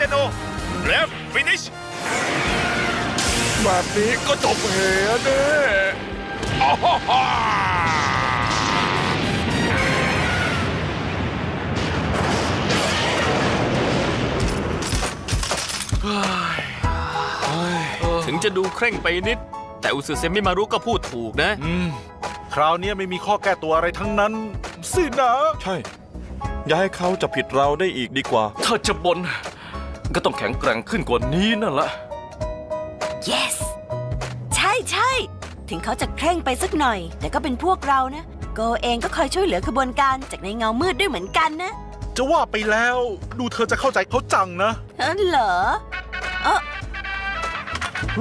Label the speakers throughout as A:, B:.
A: โอแล้วฟินิช
B: แบบนี้ก็จบเหตุเด้อ้ฮ่า
C: ถึงจะดูเคร่งไปนิดแต่อุสึเซมิมารุก็พูดถูกนะ
B: คราวนี้ไม่มีข้อแก้ตัวอะไรทั้งนั้นสินะ
D: ใช่ อย่าให้เขาจับผิดเราได้อีกดีกว่า
E: ถ้าจะบนก็ต้องแข็งแกร่งขึ้นกว่านี้นั่นแหละ
F: yes ใช่ใช่ถึงเขาจะเคร่งไปสักหน่อย แต่ก็เป็นพวกเรานะโกเองก็คอยช่วยเหลือขบวนการจากในเงามืดด้วยเหมือนกันนะ
B: จะว่าไปแล้วดูเธอจะเข้าใจเขาจังนะ
F: เหรอหึ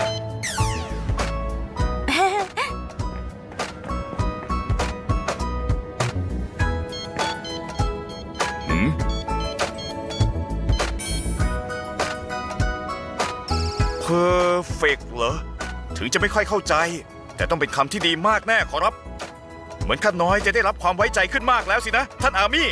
A: เพอร์เฟกเหรอถึงจะไม่ค่อยเข้าใจแต่ต้องเป็นคำที่ดีมากแน่ขอรับเหมือนข้าน้อยจะได้รับความไว้ใจขึ้นมากแล้วสินะท่านอามี่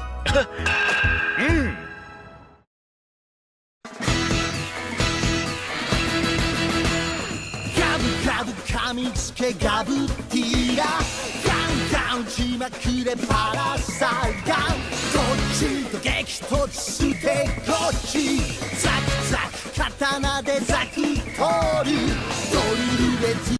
G: ガブガブ噛みつけガブティーラガンガン打ちまくれパラサガンこっちと激突してこっちザクザク刀でザク取るドリルで